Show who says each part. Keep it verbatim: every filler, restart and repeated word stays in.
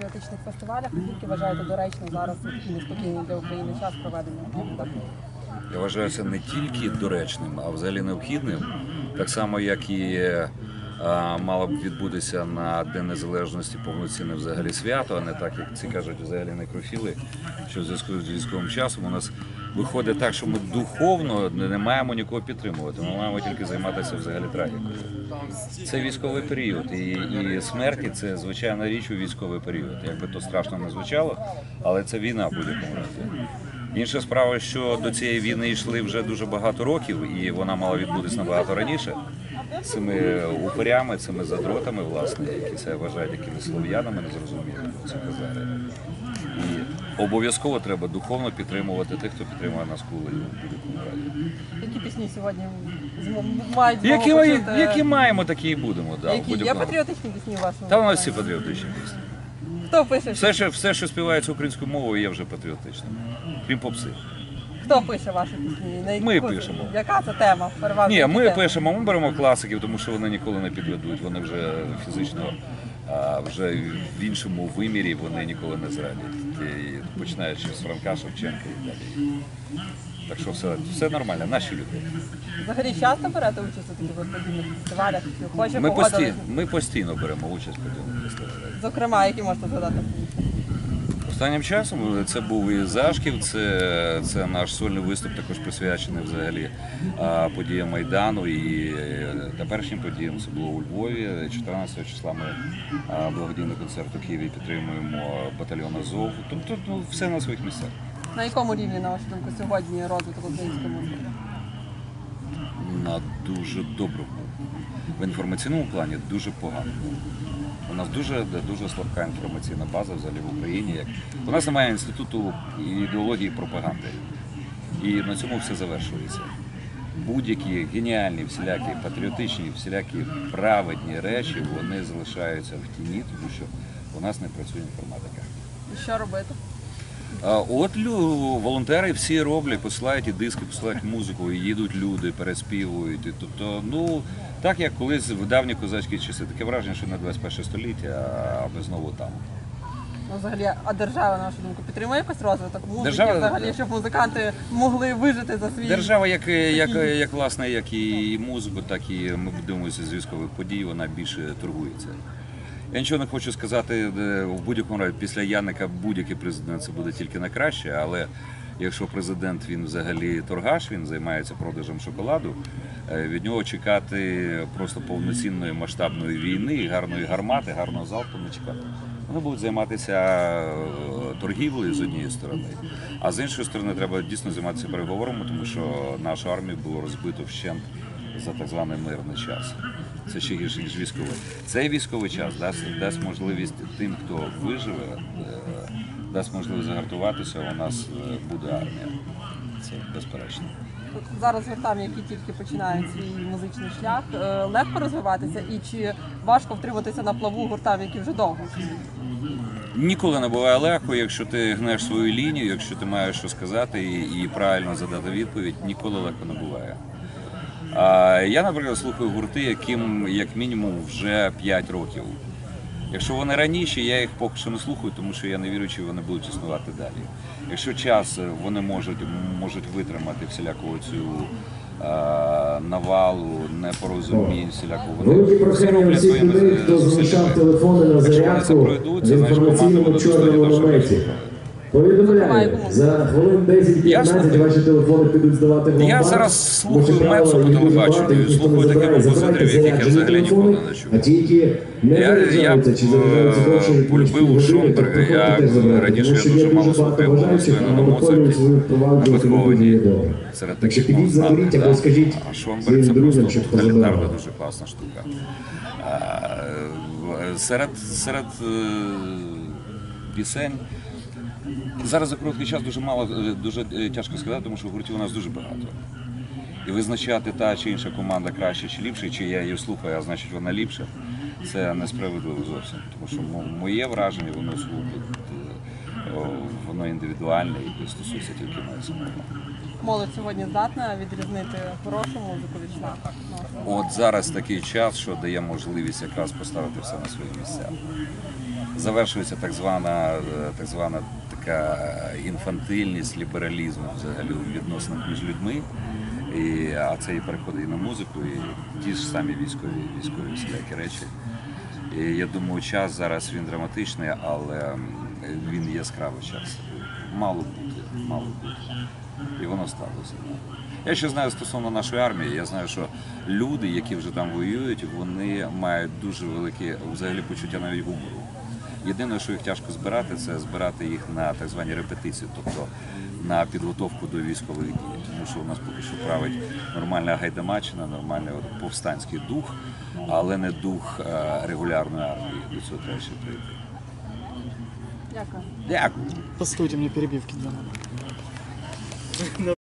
Speaker 1: патріотичних фестивалях. Наскільки вважаєте доречно зараз у такий неспокійний для України час проведення?
Speaker 2: Я вважаю це не тільки доречним, а взагалі необхідним. Так само, як і а, мало б відбутися на День Незалежності повноцінне взагалі свято, а не так, як ці кажуть взагалі некрофіли, що в зв'язку з військовим часом у нас виходить так, що ми духовно не маємо нікого підтримувати, ми маємо тільки займатися взагалі трагікою. Це військовий період, і, і смерті – це звичайна річ у військовий період. Якби то страшно не звучало, але це війна в будь-якому разі. Інша справа, що до цієї війни йшли вже дуже багато років, і вона мала відбутися набагато раніше. Цими упорями, цими задротами, власне, які це вважають якимись слов'янами, незрозумілими, це казали. І обов'язково треба духовно підтримувати тих, хто підтримує нас коли в будь-якому разі.
Speaker 1: Які пісні сьогодні мають змогу
Speaker 2: Які,
Speaker 1: почути?
Speaker 2: які маємо, такі і будемо. Да,
Speaker 1: які? Є патріотичні пісні у вас?
Speaker 2: Та у нас всі патріотичні пісні.
Speaker 1: Хто пише?
Speaker 2: Все, що, все, що співається українською мовою, є вже патріотичним. Крім попси.
Speaker 1: Хто пише ваші пісні? На
Speaker 2: Ми
Speaker 1: яку-
Speaker 2: пишемо.
Speaker 1: Яка це тема? Переважно
Speaker 2: Ні, ми
Speaker 1: тема?
Speaker 2: пишемо, ми беремо класиків, тому що вони ніколи не підведуть. Вони вже фізично, а, вже в іншому вимірі вони ніколи не зрадять. І починаючи з Франка, Шевченка і далі. Так що все, все нормально, наші люди.
Speaker 1: Взагалі часто берете участь у таких от подібних фестивалях? Хоче
Speaker 2: Ми,
Speaker 1: погодились?
Speaker 2: пості, ми постійно беремо участь в подібних фестивалях.
Speaker 1: Зокрема, які можете згадати?
Speaker 2: Останнім часом це був і Зашків, це, це наш сольний виступ, також присвячений взагалі а, подіям Майдану і теперішнім подіям. Це було у Львові. чотирнадцятого числа ми а, благодійний концерт у Києві підтримуємо батальйон Азов. Тобто ну, все на своїх місцях.
Speaker 1: На якому рівні, на вашу думку, сьогодні розвиток української музики?
Speaker 2: На дуже доброму. В інформаційному плані дуже погано. У нас дуже, дуже слабка інформаційна база взагалі в Україні. Як... У нас немає інституту ідеології і пропаганди. І на цьому все завершується. Будь-які геніальні, всілякі патріотичні, всілякі праведні речі, вони залишаються в тіні, тому що у нас не працює інформатика.
Speaker 1: І що робити?
Speaker 2: А от лю... волонтери всі роблять, посилають і диски, посилають музику, і їдуть люди, переспівують. І, тобто, ну, так як колись в давні козацькі часи. Таке враження, що не двадцять перше століття, а ми знову там.
Speaker 1: Ну, взагалі, а держава, на вашу думку, підтримує якось розвиток музики,
Speaker 2: Держава-
Speaker 1: взагалі, щоб музиканти могли вижити за свій...
Speaker 2: Держава, як, як, як, власне, як і музику, так і ми дивимося з військових подій, вона більше торгується. Я нічого не хочу сказати, в будь-якому разі, після Яника будь-який президент це буде тільки на краще, але якщо президент він взагалі торгаш, він займається продажем шоколаду, від нього чекати просто повноцінної масштабної війни, гарної гармати, гарного залпу не чекати. Вони будуть займатися торгівлею з однієї сторони, а з іншої сторони треба дійсно займатися переговорами, тому що нашу армію було розбито вщент за так званий мирний час. Це ще гірше, ніж військовий. Цей військовий час дасть, дасть можливість тим, хто виживе, дасть можливість загартуватися, у нас буде армія. Це безперечно.
Speaker 1: Зараз гуртам, які тільки починають свій музичний шлях, е, легко розвиватися і чи важко втриматися на плаву гуртам, які вже довго?
Speaker 2: Ніколи не буває легко, якщо ти гнеш свою лінію, якщо ти маєш що сказати і, і правильно задати відповідь, ніколи легко не буває. А я, наприклад, слухаю гурти, яким як мінімум вже п'ять років. Якщо вони раніше, я їх поки що не слухаю, тому що я не вірю, чи вони будуть існувати далі. Якщо час вони можуть, можуть витримати всіляку цю а, навалу, непорозумінь, всіляку, вони всі роблять своїми зусиллями. Якщо вони це пройдуть, це значить команда буде достойна до шоу.
Speaker 3: Повідомляю, за хвилин десять-п'ятнадцять ваші телефони підуть здавати в
Speaker 2: Я зараз слухаю Мецо по телебаченню, слухаю такі композиторів, яких я взагалі ніколи не чув.
Speaker 3: А ті, які не
Speaker 2: Я, я
Speaker 3: заряджаються чи заряджаються довше, як
Speaker 2: полюбив Шумберга, я раніше я дуже мало слухав, був на Моцарті, на Бетховені, серед таких мов знаних, да. А Шумберг це просто тоталітарна, дуже класна штука. А, серед, серед пісень зараз за короткий час дуже мало, дуже тяжко сказати, тому що гуртів у нас дуже багато. І визначати та чи інша команда краще чи ліпше, чи я її слухаю, а значить вона ліпша, це несправедливо зовсім. Тому що моє враження, воно воно індивідуальне і стосується тільки мене самого.
Speaker 1: Молодь сьогодні здатна відрізнити хорошу музику від шляху?
Speaker 2: От зараз такий час, що дає можливість якраз поставити все на свої місця. завершується так звана, е, так звана така інфантильність, лібералізм взагалі у відносинах між людьми. І, а це і переходить і на музику, і ті ж самі військові, військові всілякі речі. І я думаю, час зараз він драматичний, але він яскравий час. Мало бути, мало бути. І воно сталося. Я ще знаю стосовно нашої армії, я знаю, що люди, які вже там воюють, вони мають дуже велике взагалі почуття навіть гумору. Єдине, що їх тяжко збирати, це збирати їх на так звані репетиції, тобто на підготовку до військових дій. Тому що у нас поки що править нормальна гайдамачина, нормальний от повстанський дух, але не дух е, регулярної армії. До цього треба ще прийти.
Speaker 1: Дякую.
Speaker 2: Дякую.
Speaker 4: По студии мне перебивки делали.